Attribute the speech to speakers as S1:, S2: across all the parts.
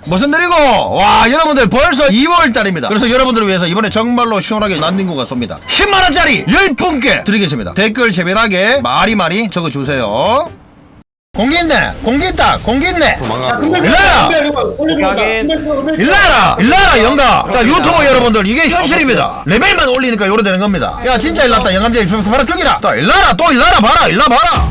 S1: 무슨 일이고? 와, 여러분들 벌써 2월달입니다. 그래서 여러분들을 위해서 이번에 정말로 시원하게 난닝구가 쏩니다. 10만원짜리 10분께 드리겠습니다. 댓글 재미나게 많이 적어주세요. 공기 있네, 공기 있다, 공기 있네. 일라라 영가. 자, 유튜버 여러분들 이게 현실입니다. 레벨만 올리니까 요래 되는 겁니다. 야, 진짜 일났다. 영감제 봐라, 죽이라. 또 일라라 봐라, 일라 봐라.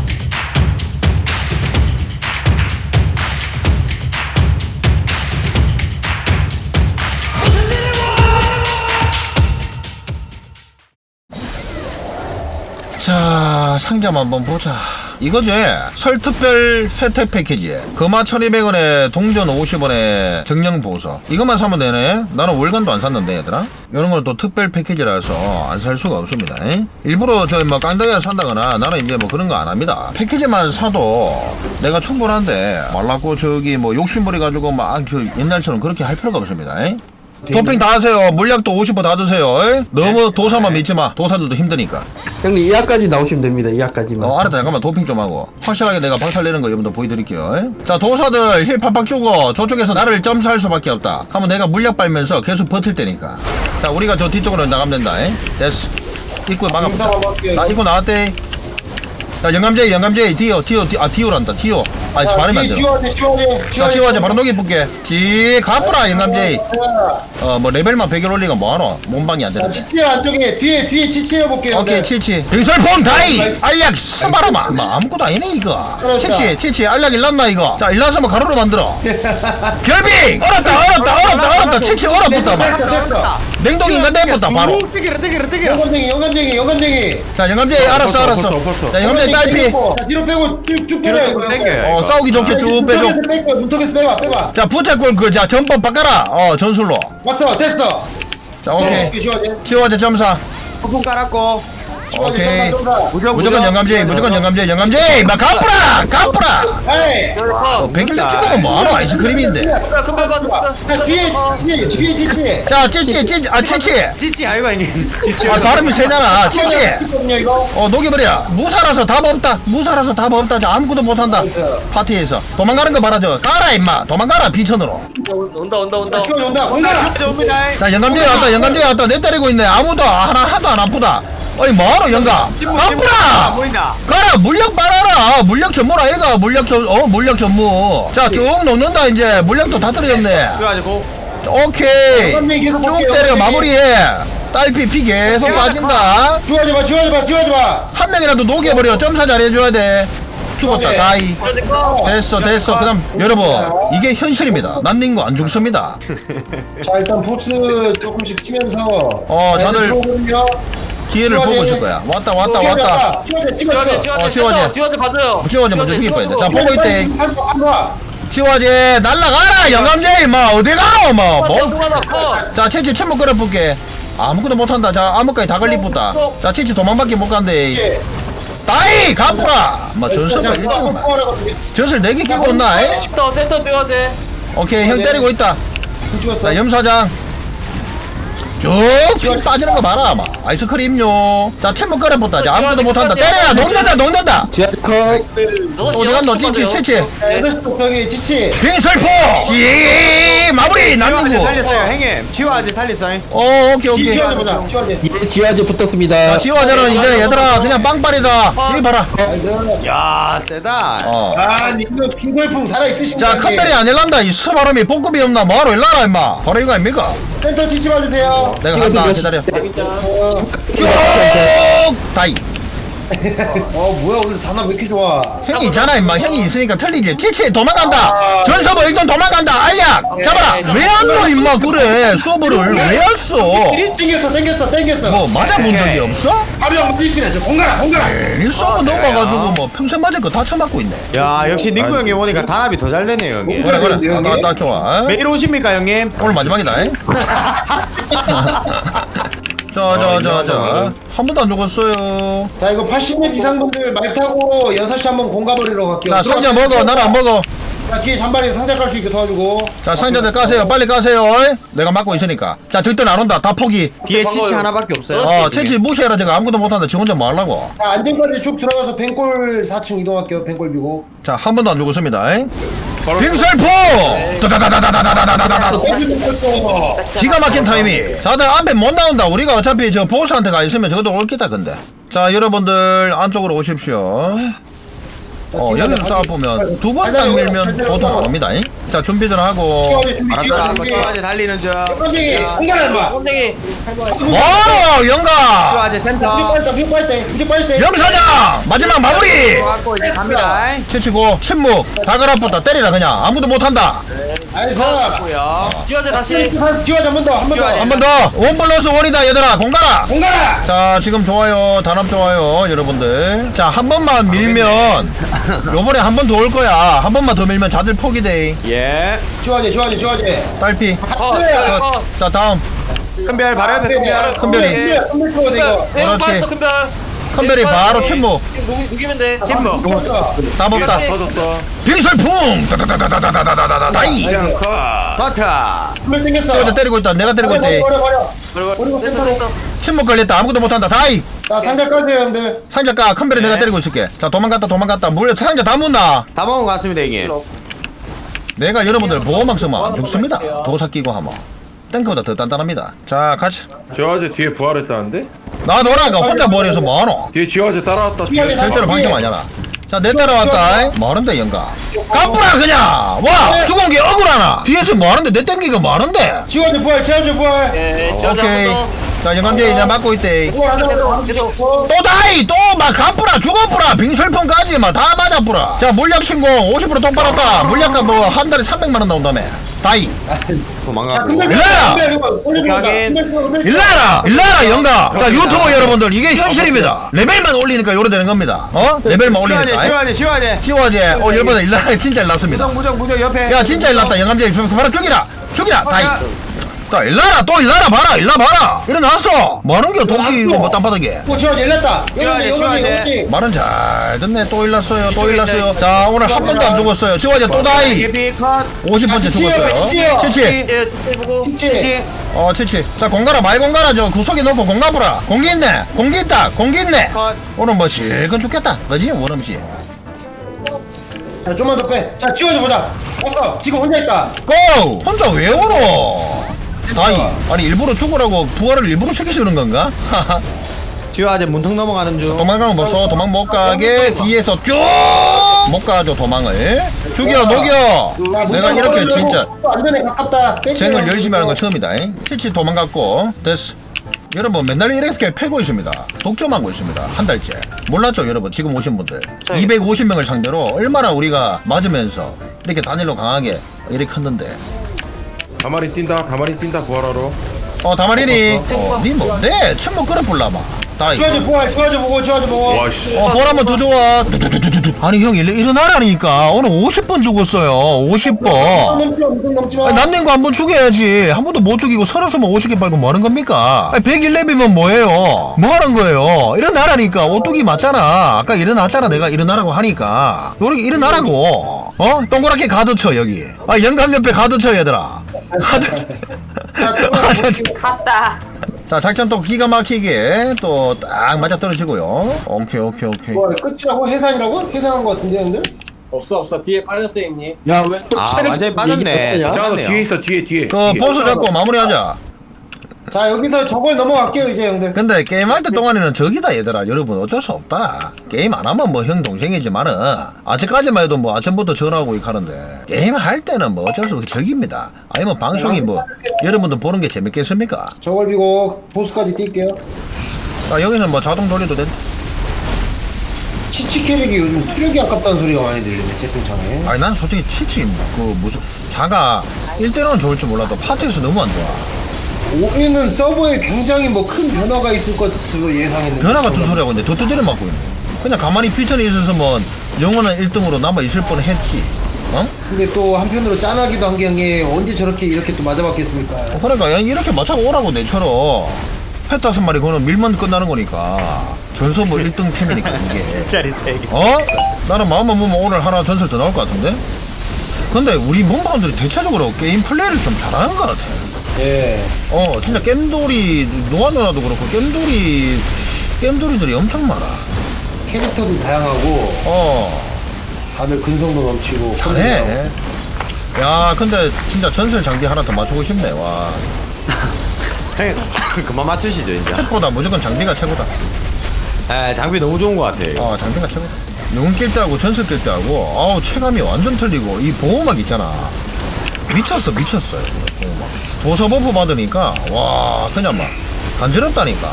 S1: 자, 상점 한번 보자. 이거지? 설 특별 혜택 패키지. 금화 1200원에 동전 50원에 정령 보석. 이것만 사면 되네. 나는 월간도 안 샀는데 얘들아. 이런 건 또 특별 패키지라서 안 살 수가 없습니다. 일부러 저 뭐 깡다리에 산다거나 나는 이제 뭐 그런 거 안 합니다. 패키지만 사도 내가 충분한데 말라고 저기 뭐 욕심부려 가지고 막 저 옛날처럼 그렇게 할 필요가 없습니다. 도핑 다 하세요. 물약도 50% 다 드세요. 너무 도사만 믿지 마. 도사들도 힘드니까.
S2: 형님 2화까지 나오시면 됩니다. 2화까지만.
S1: 알았다. 잠깐만 도핑 좀 하고 확실하게 내가 박살내는 거 여러분들 보여드릴게요. 자, 도사들 힐 팍팍 주고 저쪽에서 나를 점수할 수밖에 없다. 하면 내가 물약 빨면서 계속 버틸 테니까. 자, 우리가 저 뒤쪽으로 나가면 된다. 됐어. 입구에 막아보자. 나 입구 나왔대. 자, 영감제 디오란다. 디오. 발음이 안 돼. 자, 지워제 바로 녹이 붙게. 가쁘라 영감제. 뭐 레벨만 100일 올리가 뭐하노? 몸방이 안 되는데.
S3: 치치 안쪽에 뒤에 치치 해볼게요.
S1: 오케이, 치치. 빙설폼 다이! 알약 스바라마! 뭐 아무것도 아니네, 이거. 치치, 알약 일났나, 이거? 자, 일나서 뭐 가루로 만들어. 결빙! 얼었다. 치치 얼었다, 막. 냉동인간 내붙다, 바로.
S3: 영감쟁이.
S1: 자, 영감제, 알았어. 자, 영감제 딸피.
S3: 자, 뒤로 빼고 쭉 빼려.
S1: 싸우기 좋게 쭉 빼줘.
S3: 문턱에서 빼봐.
S1: 자, 부채꼴 자, 전법 바꿔라. 전술로.
S3: 왔어, 됐어.
S1: 자, 오케이. 치워제 점사.
S2: 폭풍 깔았고.
S1: 오케이. 무조건 영감제. 막 가쁘라.
S3: 에이.
S1: 100일 찍으면 뭐하노? 아이스크림인데.
S3: 자, 뒤에 치치.
S1: 자, 치치.
S2: 찌찌 아이가 이게.
S1: 발음이 세잖아. 치치.
S3: 이거.
S1: 녹여버려. 무사라서 답 없다. 저 아무것도 못한다. 파티에서. 도망가는 거 봐라, 저. 가라, 임마. 도망가라, 비천으로.
S4: 온다.
S3: 온다.
S1: 자, 영감제 왔다. 내 때리고 있네. 하나도 안 아프다. 어이, 뭐하노, 영감? 아프라!
S2: 보인다.
S1: 가라, 물약 빨아라. 물약 전무라, 얘가. 물약 전무. 자, 쭉 녹는다, 이제. 물약도 다 떨어졌네.
S2: 그래가지고.
S1: 오케이.
S3: 계속
S1: 쭉
S3: 볼게요.
S1: 때려, 마무리해. 딸피 피 계속 빠진다.
S3: 지워지 마.
S1: 한 명이라도 녹여버려. 점사 잘해줘야 돼. 죽었다.
S3: 오케이.
S1: 다이. 됐어. 그다음 여러분, 이게 현실입니다. 난닝구 안 죽습니다.
S3: 자, 일단 보스 조금씩 치면서.
S1: 다들 기회를 보고 있을 거야. 왔다.
S4: 지워제 봐줘요.
S1: 지워제 먼저 죽일 거야. 자, 보고 있대.
S3: 한번
S1: 지워제 날라가라. 영감제 임마 어디 가노 뭐. 자, 채치 채무 끌어볼게. 아무것도 못한다. 자, 암흑까지 다 걸리쁘다. 자, 채치 도망밖에 못 간대. 다이 가프라. 뭐 전설가 1등만. 전설 4개 끼고 온나?
S4: 센터 뛰어야지.
S1: 오케이, 형 때리고 있다. 자, 염사장 쭉 빠지는 거 봐라. 막 아이스크림요. 자, 채무 끌어붙다. 자, 아무것도 못한다. 때려라. 녹는다.
S2: 지하철 컷.
S1: 어디 갔노? 치치.
S3: 8시 독병이 치치.
S1: 빙설포. 마무리. 남는구.
S2: 살렸어요 형님. 지화제 살렸어요.
S1: 오케이.
S3: 지워지 보자.
S2: 예, 지화제 붙었습니다.
S1: 자, 지화자는 이제 얘들아 그냥 빵빨이다. 여기 봐라.
S2: 야 세다.
S3: 아, 이거 빙글풍 살아있으신가요?
S1: 자, 컴벨이 안 일난다. 이 수바람이 뽕급이 없나? 뭐하러 일나라 임마. 바로 이거 아닙니까?
S3: 센터 치치 봐주세요.
S1: 내가 간다. 기다려. 쭉 다이.
S3: 뭐야, 오늘 단어 왜 이렇게 좋아?
S1: 형이 있잖아 임마. 형이 있으니까 틀리지. 치치 도망간다. 전서버 일단 도망간다. 알약 잡아라. 왜 안 넣어 임마. 그래 수업을 왜 했어?
S3: 땡겼어.
S1: 뭐 맞아본 적이 없어?
S3: 가벼운 무지끼리 공가라.
S1: 이 수업을 넘어가지고 뭐 평생 맞을 거 다 처맞고 있네.
S2: 야 역시 닝구 형님 오니까 단합이 더 잘 되네요 형님.
S1: 그래. 딱 좋아.
S2: 매일 오십니까 형님?
S1: 오늘 마지막이다. 자. 한 번도 안 죽었어요.
S3: 자, 이거 80년 이상 분들 말 타고 6시 한번 공가버리러 갈게요.
S1: 자, 상자 먹어. 나는 안 먹어.
S3: 자, 뒤에 잔발에 상자 깔 수 있게 도와주고.
S1: 자, 상자들 까세요. 빨리 까세요. 내가 막고 있으니까. 자, 절대는 안 온다. 다 포기.
S2: 뒤에 치치 하나밖에 없어요.
S1: 채치 무시해라. 제가 아무것도 못한다. 지 혼자 뭐 하려고.
S3: 자, 안전까지 쭉 들어가서 뱅골 4층 이동할게요. 뱅골 비고.
S1: 자, 한 번도 안 죽었습니다.
S5: 바로
S1: 빙설포 다다다다다다다다다다다 기가 막힌 타이밍. 다들 앞에 못 나온다. 우리가 어차피 저 보스한테 가 있으면 저것도 올 기다. 근데 자 여러분들 안쪽으로 오십시오. 여기서 싸워보면 두 번 딱 밀면 보통 안 옵니다. 자 준비들 하고.
S2: 알았다. 쭈아재 달리는 중.
S3: 깜짝이 공격을 해봐.
S4: 꼼짝이.
S1: 와 영가
S2: 쭈아재 센터.
S3: 무조건 빨리
S1: 영사장 마지막 마무리.
S2: 들어갔고 이제 갑니다.
S1: 치치고 침묵 다가라붙다 때리라 그냥 아무도 못한다.
S3: 알겠어.
S2: 들어갔고요.
S4: 지워져 다시.
S3: 지워자 한 번 더.
S1: 한 번 더 원 플러스 원이다 얘들아 공가라.
S3: 공가라.
S1: 자 지금 좋아요 단합 좋아요 여러분들. 자 한 번만 밀면 요번에 한 번 더 올 거야. 한 번만 더 밀면 자들 포기돼.
S2: 예.
S3: 지워자.
S1: 딸피
S4: 컷.
S1: 자 다음
S2: 큰별 바로 옆에 큰별.
S1: 큰별이
S3: 큰별 들어야 돼 이거.
S4: 대형
S1: 그렇지.
S4: 빠졌어 큰별.
S1: 큰별이 바로 침묵
S4: 녹이면 돼.
S2: 침묵.
S1: 답 없다.
S5: 터졌어.
S1: 빙설풍 다다다다다다다다다 다이.
S2: 버터.
S3: 큰별 땡겼어.
S1: 저거 때리고 있다. 내가 때리고 있대.
S3: 버리고 센터로.
S1: 침묵 걸렸다. 아무것도 못한다. 다이.
S3: 자 상자 깔세요 형들.
S1: 상자 까 큰별이 내가 때리고 있을게. 자 도망갔다. 물 상자 다 묻나.
S2: 다 먹은 것 같습니다 형님.
S1: 내가 여러분들 보호막 쓰면 안 죽습니다. 도사 끼고 하면 탱크보다 더 단단합니다. 자 같이
S5: 지화제 뒤에 부활했다는데?
S1: 나 너라가 혼자 머리에서 뭐하노.
S5: 뒤에 지화제 따라왔다.
S3: 지화제
S1: 절대로 방심 아니잖아. 자 내 따라왔다. 뭐하는데 영가 까불아 그냥. 와 죽은 게 억울하나. 뒤에서 뭐하는데 내 땡기가 뭐하는데.
S3: 지워자 부활.
S4: 예, 지워져
S1: 오케이.
S4: 한 번
S1: 자 영감제 이제 맞고 있대.
S3: 부활
S4: 계속.
S1: 또 다이 또 막 가뿌라 죽어뿌라 빙설풍까지 막 다 맞아뿌라. 자 물약 신고 50% 돈 받았다. 물약값 뭐 한 달에 300만원 나온다며. 다이
S3: 자
S2: 도망가고.
S3: 큰별
S1: 일라야!
S2: 확인.
S1: 일라라 영가. 자 유튜버 여러분들 이게 현실입니다. 레벨만 올리니까 요래 되는 겁니다. 레벨만 올리니까.
S2: 시와제.
S1: 시워제 열받아. 일라라 진짜 일났습니다.
S2: 무정 옆에.
S1: 야 진짜 일났다. 영감제 바로 죽이라 다이. 자 일라라 봐라 일어났어. 뭐하는겨 도끼 이거 뭐 땅바닥에.
S3: 지워자 일났다.
S2: 지워자.
S1: 말은 잘 듣네. 또 일났어요. 자 오늘 한 번도 안 죽었어요. 시워제 또 다이.
S2: 예피 컷.
S1: 50번째 죽었어요. 치치.
S4: 예, 보고.
S2: 치치.
S1: 치치. 자 공가라 많이 공가라. 저 구석에 놓고 공가보라. 공기 있네. 공기 있네.
S2: 컷.
S1: 오늘 뭐 실컷 죽겠다. 그지 원음씨.
S3: 자 좀만 더 빼. 자 지워자 보자. 왔어. 지금 혼자 있다.
S1: 고! 혼자 왜 울어? 다이. 아니 일부러 죽으라고 부활을 일부러 시키시는 건가?
S2: 지화제 문턱 넘어가는 중.
S1: 도망가면 뭐써 도망 못 가게 뒤에서 쭉 못 가죠 도망을. 죽여 녹여. 내가 이렇게 진짜
S3: 안전에 가깝다.
S1: 쟁을 열심히 하는 건 처음이다. 치치 도망갔고 됐어. 여러분 맨날 이렇게 패고 있습니다. 독점하고 있습니다. 한 달째. 몰랐죠 여러분 지금 오신 분들 250명을 상대로 얼마나 우리가 맞으면서 이렇게 단일로 강하게 이렇게 컸는데.
S5: 다마리 뛴다 부활하러.
S1: 다마리니 니 뭔데? 침묵 끌어볼라마 다이.
S3: 지워자 보고.
S5: 와씨.
S1: 볼 한번 더 좋아. 아니 형 일어나라니까. 오늘 50번 죽었어요. 50번.
S3: 넘지 마.
S1: 남는 거 한 번 죽여야지. 한 번도 못 죽이고 서른수만 50개 빨고 뭐 하는 겁니까? 101렙이면 뭐예요? 뭐 하는 거예요? 일어나라니까. 오뚜기 맞잖아. 아까 일어났잖아. 내가 일어나라고 하니까. 요렇게 일어나라고. 동그랗게 가드 쳐 여기. 영감 옆에 가드 쳐 얘들아. 가드.
S6: 갔다.
S1: 자 작전 또 기가 막히게 또 딱 맞아 떨어지고요. 오케이.
S3: 뭐 끝이라고 해산이라고? 해산한 거 같은데 형들?
S4: 없어. 뒤에 빠졌어, 형님.
S2: 아 완전히 빠졌네.
S5: 자, 너
S2: 들어갔네요.
S5: 뒤에 있어 뒤에.
S1: 그 보스 잡고 마무리하자.
S3: 자 여기서 저걸 넘어갈게요 이제 형들.
S1: 근데 게임할 때 동안에는 적이다 얘들아. 여러분 어쩔 수 없다. 게임 안 하면 뭐 형 동생이지만은 아직까지만 해도 뭐 아침부터 전화하고 이렇게 하는데 게임 할 때는 뭐 어쩔 수 없이 적입니다. 아니면 방송이 뭐 여러분들 보는 게 재밌겠습니까?
S3: 저걸 비고 보스까지 뛸게요.
S1: 자 여기는 뭐 자동 돌리도 돼.
S3: 치치 캐릭이 요즘 투력이 아깝다는 소리가 많이 들리네 채팅창에.
S1: 아니 난 솔직히 치치 그 무슨 자가 1대1은 좋을 줄 몰라도 파티에서 너무 안 좋아.
S3: 올해는 서버에 굉장히 뭐 큰 변화가 있을 것으로 예상했는데
S1: 변화 같은 소리하고 있는데 더 두드려 맞고 있네. 그냥 가만히 피천이 있었으면 영원한 1등으로 남아 있을 뻔했지.
S3: 근데 또 한편으로 짠하기도 한 게 형이 언제 저렇게 이렇게 또 맞아봤겠습니까.
S1: 그러니까 이렇게 맞춰 오라고 내처럼 펫 5마리 그거는 밀면 끝나는 거니까 전설 뭐 1등 템이니까 이게.
S2: 짜리 3개.
S1: 나는 마음만 먹으면 오늘 하나 전설 더 나올 것 같은데. 근데 우리 몸방들이 대체적으로 게임 플레이를 좀 잘하는 것 같아.
S3: 예.
S1: 진짜 겜돌이 노아 누나도 그렇고 겜돌이들이 엄청 많아.
S3: 캐릭터도 다양하고 다들 근성도 넘치고
S1: 잘해. 야 근데 진짜 전설 장비 하나 더 맞추고 싶네. 와
S2: 형님 그만 맞추시죠 이제.
S1: 탭보다 무조건 장비가 최고다.
S2: 에 장비 너무 좋은 것 같아요.
S1: 장비가 최고다. 영웅 낄 때하고 전설 낄 때하고 아우 체감이 완전 틀리고 이 보호막 있잖아. 미쳤어요. 보호막. 도서 버프 받으니까 와 그냥 막 간지럽다니까.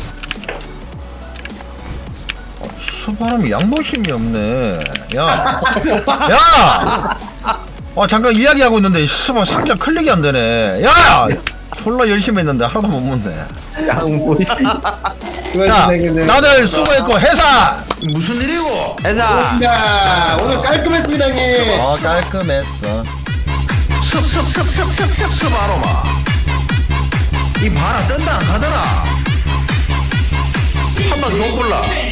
S1: 수바람이 양보심이 없네. 야. 잠깐 이야기하고 있는데 수바 상자 클릭이 안 되네. 야. 졸라 열심히 했는데 하나도 못 먹네.
S5: 양보시.
S1: 자, 다들 수고했고 해산.
S5: 무슨 일이고?
S2: 회사.
S3: 야, 오늘 깔끔했습니다, 형님.
S1: 깔끔했어.
S5: 습 아로마. 이 바라 뜬다 안 가더라. 한번 더 골라.